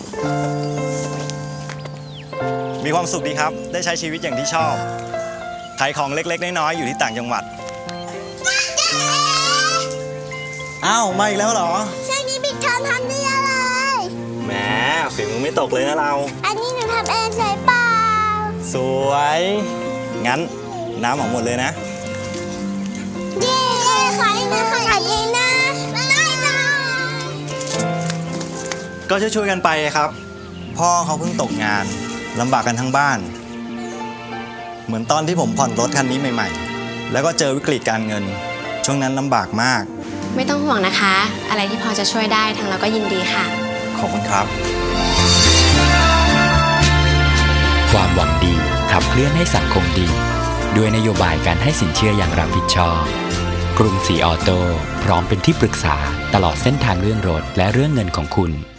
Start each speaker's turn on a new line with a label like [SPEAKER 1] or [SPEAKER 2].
[SPEAKER 1] มีความสุขดีครับได้ใช้ชีวิตอย่างที่ชอบขายของเล็กๆน้อยๆอยู่ที่ต่างจังหวัดอ้าวมาอีกแล้วเหรอ
[SPEAKER 2] ช่วงนี้ปิดเทอมทำได้อะไร
[SPEAKER 1] แหมฝีมือไม่ตกเลยนะเรา
[SPEAKER 2] อันนี้หนูทำเองใช่เปล่า
[SPEAKER 1] สวยงั้นน้ำออกหมดเลยนะ
[SPEAKER 2] เย้ขายนะขายเองนะได้จ้า
[SPEAKER 1] ก็ช่วยๆกันไปครับพ่อเขาเพิ่งตกงานลำบากกันทั้งบ้านเหมือนตอนที่ผมผ่อนรถคันนี้ใหม่ๆแล้วก็เจอวิกฤตการเงินช่วงนั้นลำบากมาก
[SPEAKER 3] ไม่ต้องห่วงนะคะอะไรที่พอจะช่วยได้ทางเราก็ยินดีค่ะ
[SPEAKER 1] ขอบคุณครับ
[SPEAKER 4] ความหวังดีขับเคลื่อนให้สังคมดีด้วยนโยบายการให้สินเชื่ออย่างรับผิดชอบกรุงศรีออโต้พร้อมเป็นที่ปรึกษาตลอดเส้นทางเรื่องรถและเรื่องเงินของคุณ